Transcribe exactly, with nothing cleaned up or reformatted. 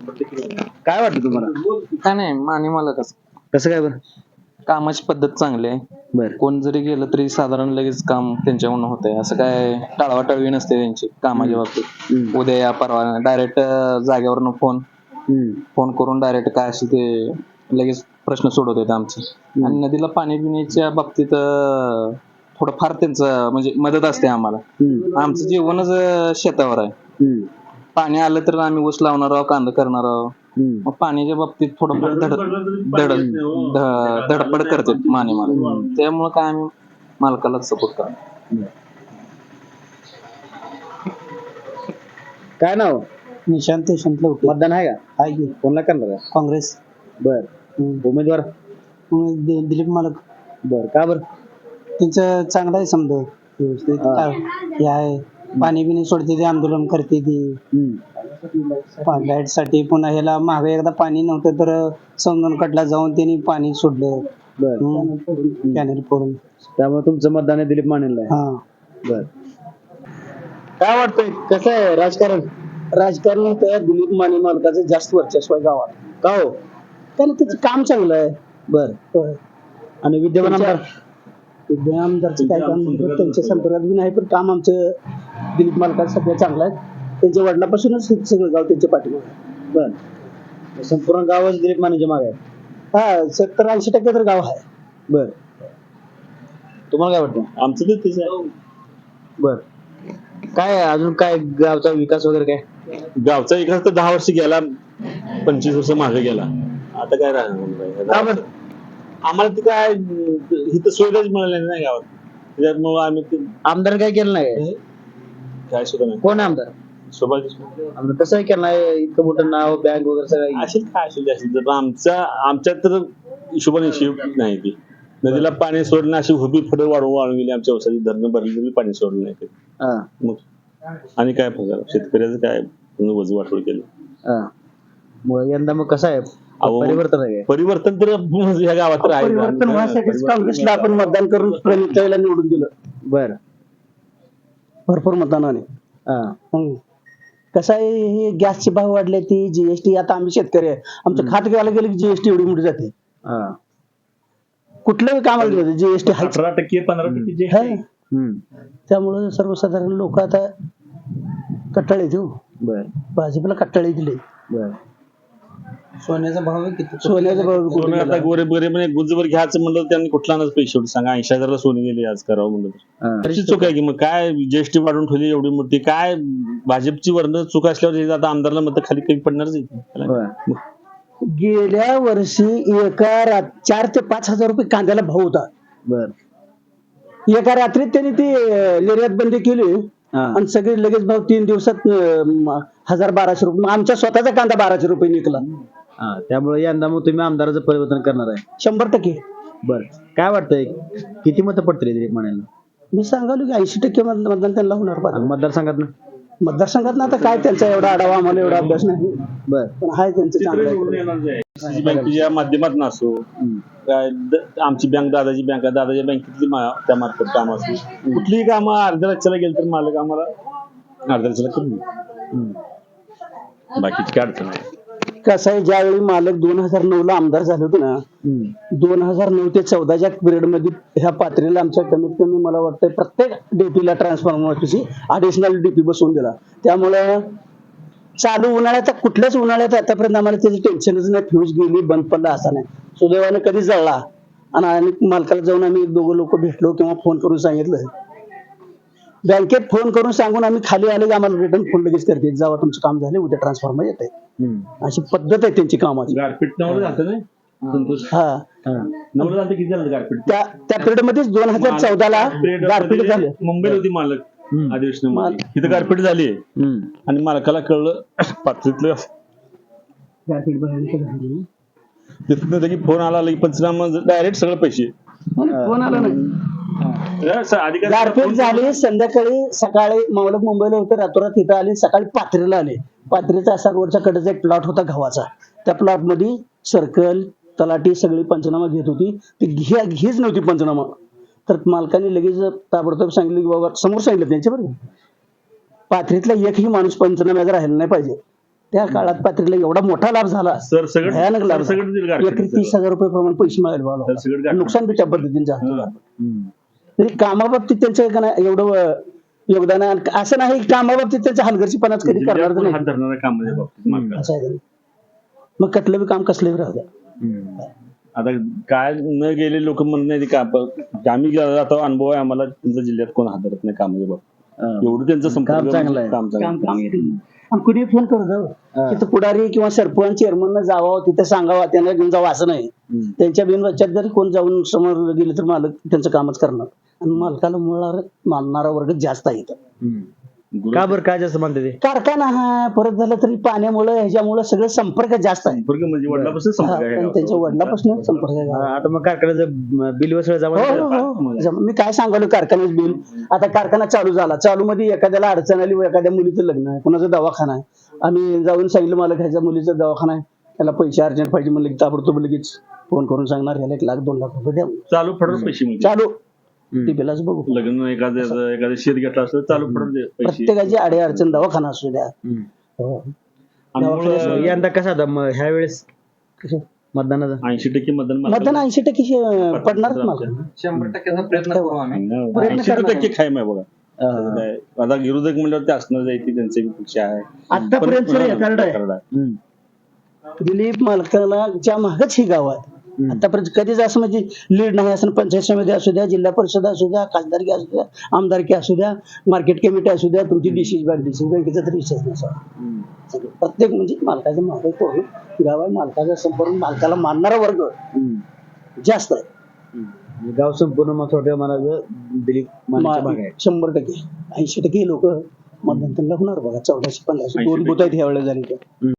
काय वाटतं तुम्हाला? काय नाही माने मला कसं कसं काय बरं? कामाची पद्धत चांगली आहे. बरं. कोण जरी गेलं तरी साधारण लगेच काम त्यांच्याकडून होतंय. असं काय टाळवाटाळवी नसते त्यांची कामाच्या बाबतीत. उद्या या परवा डायरेक्ट जागेवरनं फोन फोन करून डायरेक्ट काय असेल ते लगेच प्रश्न सोडवतात आमचे. आणि नदीला पाणी पिण्याच्या बाबतीत अं, थोडंफार त्यांचं म्हणजे मदत असते आम्हाला. आमचं जीवनच अं, शेतावर आहे. पाणी आलं तर आम्ही ऊस लावणार आहोत, कांदा करणार आहोत. मग पाण्याच्या बाबतीत थोडंफार धड धड ध- धडपड करते माने मालक. त्यामुळे काय आम्ही मालकालाच सपोर्ट करतो. काय नाव? निशांत यशवंत लवटे. मतदान आहे का? आहे की कोणला करणार आहे? काँग्रेस. बर. उमेदवार? दि- दिलीप मालक. बर. का बर? त्यांचं चांगलं आहे समजा व्यवस्थित. हा. काय हे आहे पाणी बिणी सोडते ते आंदोलन करते ती लाईट साठी. पुन्हा ह्याला मागे एकदा पाणी नव्हतं तर संगणकडला जाऊन त्यांनी पाणी सोडलं कॅनेल फोडून. त्यामुळे तुमचं मतदान आहे दिलीप मानेला आहे. हा. बर. काय वाटतंय कसं आहे राजकारण? राजकारण त्या दिलीप माने मालकाचं जास्त वर्चस्व आहे गावात. का हो? त्यानं त्याचं काम चांगलं आहे. बर. आणि विद्यमान आमदार? विद्यमान आमदारचं काय काम नाही, त्यांच्या संपर्कात बी नाही, पण काम आमचं दिलीप मालकाचं सगळं चांगलं आहे. त्यांच्या वडिलापासूनच हे सगळं गाव त्यांच्या पाठीमागे. बर. संपूर्ण गावच दिलीप मानेच्या मागे आहे. हा सत्तर ऐंशी टक्के तर गाव आहे. बर. तुम्हाला काय वाटतं? आमचं तर तेच आहे. बर. काय अजून काय गावचा विकास वगैरे काय? गावचा विकास तर दहा वर्ष गेला, पंचवीस वर्ष मागे गेला. आता काय राहणार? आम्हाला ते काय इथं सुविधाच मिळाल्या नाही गावात. त्याच्यामुळे आम्ही ते आमदार काय केलं नाही? काय सुद्धा नाही. कोण आमदार? सुभाष देशमुख. आमदार कसं काय केलं नाही? इतकं मोठं नाव, बँक वगैरे सगळं. असेल काय असेल ते असेल. तर आमचा आमच्यात तर हिशोबाने हिशोब नाही ती. नदीला पाणी सोडणं अशी हुबी फडं वाढवून वाढवून गेली. आमच्या औषधी धरणं भरली तरी पाणी सोडलं नाही. हा. मग आणि काय फरक? शेतकऱ्याचं काय वजू वाटोळ केलं. हा. मग यंदा मग कसं आहे अहो, परिवर्तन आहे? परिवर्तन तर ह्या गावात तर आहे. परिवर्तन व्हायसाठीच काँग्रेसला आपण मतदान करून प्रणिताईला निवडून दिलं. बर. भरपूर मतदानाने. हा. हम्म. कसं आहे हे गॅसचे भाव वाढले, ती जीएसटी. आता आम्ही शेतकरी आहे, आमचं खात घ्यायला गेलं की जीएसटी एवढी मोठी जाते. हा. कुठल्याही कामाला जीएसटी आहे. अठरा टक्के पंधरा टक्के त्यामुळे सर्वसाधारण लोक आता कट्टाळे देऊ. बर. भाजपला कट्टाळे दिले. बर. सोन्याचा भाव किती? सोन्याचा भाव किती सोनं आता गेला? गोरे गोरे म्हणजे गुजवर घ्यायचं म्हणलं त्यांनी कुठला नाच पैसे एवढे सांगा. ऐंशी हजारला सोने गेले आज करावं म्हणलं तर. हा. तशी चूक आहे की मग काय जीएसटी वाढवून ठेवली एवढी मोठी. काय भाजपची वर्ण चूक असल्यावर हे आता आमदारला मत खाली कमी पडणारच आहे. बर. गेल्या वर्षी एका रात चार ते पाच हजार रुपये कांद्याला भाव होता. बर. एका रात्रीत त्यांनी ती अं, निर्यात बंदी केली हा. आणि सगळे लगेच भाव तीन दिवसात अं, हजार बाराशे रुपये. मग आमच्या स्वतःचा कांदा बाराशे रुपये निघला. हा. त्यामुळे यंदा मग तुम्ही आमदाराचं परिवर्तन करणार आहे? शंभर टक्के. बर. काय वाटतंय किती मतं पडतील दिलीप मानेला? मी सांगालो की ऐंशी टक्के मत- मतदान त्यांना होणार. पाहिजे. मतदारसंघात ना? मतदारसंघात ना आता काय त्यांचा एवढा आढावा आम्हाला एवढा अभ्यास नाही, बर. पण हाय त्यांचं चांगलं आहे. बँकेच्या माध्यमातून असो काय द- आमची बँक दादाची बँक आहे, दादाच्या बँकेतली मा- त्या मार्फत काम असो. कुठलीही कामं अर्ध्या लक्षाला गेलं तर मालक आम्हाला अर्ध्या लक्षाला करून देतो. बाकीची काय अडचण नाही. कसं आहे ज्यावेळी मालक दोन हजार नऊ ला आमदार झाले होते ना, दोन हजार नऊ ते चौदाच्या पिरियड मध्ये ह्या पात्रीला आमच्या कमीत कमी मला वाटतं प्रत्येक डीपीला ट्रान्सफॉर्मरची अडिशनल डीपी बसवून दिला. त्यामुळे चालू उन्हाळ्यात कुठल्याच उन्हाळ्यात आतापर्यंत आम्हाला त्याची टेन्शनच नाही. फ्यूज गेली बंद पडला असा नाही. सुदैवाने कधी जळला. आणि आणि मालकाला जाऊन आम्ही एक दोघं लोक भेटलो किंवा फोन करून सांगितलं. बँकेत फोन करून सांगून आम्ही खाली आले की आम्हाला रिटर्न फोन लगेच करते, जावा तुमचं काम झाले उद्या ट्रान्सफॉर्मर येत आहे. अशी पद्धत आहे त्यांची कामाची. गारपीट नवरं झालं नाही संतोष. हा. नवरं झालं किती झालं गारपीट? त्या त्या पिरियड मध्येच दोन हजार चौदा ला गारपीट झालं. मुंबईला होती मालक अधिवेशन तिथं गारपीट झाली आणि मालकाला कळलं पात्रीतलं गारपीट भयानक झाली. तिथनं लगी फोन आला लगी पंचनामा डायरेक्ट सगळं पैसे फोन आला नाही. अधिकारी गारपीट झाली. संध्याकाळी सकाळी मावलक मुंबईला होते, रातोरात इथं आली. सकाळी पाथरीला आले. पाथरीचा असा रोडच्या कडेचा एक प्लॉट होता गव्हाचा. त्या प्लॉट मध्ये सर्कल तलाठी सगळी पंचनामा घेत होती. ती घे घेच नव्हती पंचनामा. तर मालकाने लगेच ताबडतोब सांगितलं की बाबा, समोर सांगितलं त्यांच्या बरोबर, पाथरीतला एकही माणूस पंचनाम्याचा राहिला नाही पाहिजे. त्या काळात पात्रीला एवढा मोठा लाभ झाला, सर सगळं भयानक लाभ सर सगळं दिलं एकरी तीस हजार रुपये प्रमाणे पैसे मिळाले सर बाबा. सगळं गाठलं. नुकसान बी त्या पद्धतीने झालं. हम्म. तरी कामाबाबतीत त्यांचं का नाही एवढं अं, योगदान आहे. आणि असं नाही की कामाबाबतीत त्यांच्या हलगर्जीपणाच कधी करणार जिल्ह्यात कोण नाही हात धरणाऱ्या कामाच्या बाबतीत मालकाला. असं आहे त्यांनी. मग कटलं बी काम कसलं बी राहू द्या. हम्म. आता काय न गेले लोक म्हणत नाही का आप- आम्ही आता अनुभव आहे आम्हाला, तुमच्या जिल्ह्यात कोण हात धरत नाही कामाच्या बाबतीत. हा. एवढं त्यांचं संपर्क काम चांगलं आहे. काम चांगलं काम आहे. काम येते. आणि कुणी फोन करत जावं हा. तिथं पुढारी किंवा सरपंच चेअरमन जावं, तिथे सांगावं, त्यांना घेऊन जावं असं नाही. हम्म. त्यांच्या बिनवाच्यात जरी कोण जाऊन समोर गेले तर मालक त्यांचं कामच करणार. आणि मालकाला मुळावर मानणारा वर्ग जास्त आहे इथं. हम्म. गुरु- का बरं काय जास्त म्हणते ते कारखाना हा परत झालं तरी पाण्यामुळे ह्याच्यामुळे सगळं संपर्क जास्त आहे. संपर्क म्हणजे वडिलापासून हा, संपर्क आहे पण गावचा. त्यांच्या वडिलापासून संपर्क आहे. हा, आता मग कारखान्याचं बिल वसळ हो, जमा हो, हो. जम- मी काय सांगालो कारखान्याचं बिल. आता कारखाना चालू झाला, चालू मध्ये एखाद्याला अडचण आली व एखाद्या मुलीचं लग्न आहे, कुणाचा दवाखाना आहे, आम्ही जाऊन सांगितलं मला ह्याच्या मुलीचा दवाखाना आहे, त्याला पैसे अर्जंट पाहिजे म्हणलं की ताबडतोब लगेच फोन करून सांगणार ह्याला एक लाख दोन लाख रुपये द्या. चालू फडत पैसे म्हणजे चालू टीपीलाच बघू. लग्न एखाद्या एखाद्या शेत घेतला असलं चालू फडत दे पैसे. प्रत्येकाची अडे अडचण दवाखाना असू द्या. हम्म. हो. आणि दवाखान्यात मग यंदा कसा होता मग ह्या वेळेस कसं? मतदानाचा ऐंशी टक्के मतदान मालकाला- मतदान ऐंशी टक्के शे- पडणारच मला. शंभर टक्क्याचा प्रयत्न करू आम्ही. प्रयत्न ऐंशी करणार टक्के खायम आहे बघा. हा. त्याचं काय. आता विरोधक म्हणल्यावर ते असणार जायची त्यांचे पक्ष आहे. आतापर्यंत पण- रेकॉर्ड आहे. रेकॉर्ड आहे. हम्म. दिलीप मालकाला च्या मागच ही गाव आहे. हम्म. आतापर्यंत कधीच असं म्हणजे लीड नाही असं पंचायत समिती असू द्या, जिल्हा परिषद असू द्या, खासदारकी असू द्या, आमदारकी असू द्या, मार्केट कमिटी असू द्या, तुमची डीसी बँक डीसी बँकेचा तरी विषय नसा. हम्म. सगळं प्रत्येक म्हणजे मालकाचं मागे पूर्ण गाव आहे. मालकाचा संपर्क मालकाला मानणारा वर्ग हम्म. जास्त आहे. हम्म. गाव संपूर्ण मग थोडक्यात म्हणायचं दिलीप मानेच्या भाग आहे. शंभर टक्के ऐंशी टक्के लोक मतदान त्यांना होणार बघा. चौदाशे पंधराशे दोन ऐंशी बुथ आहेत ह्या वेळेला झाली.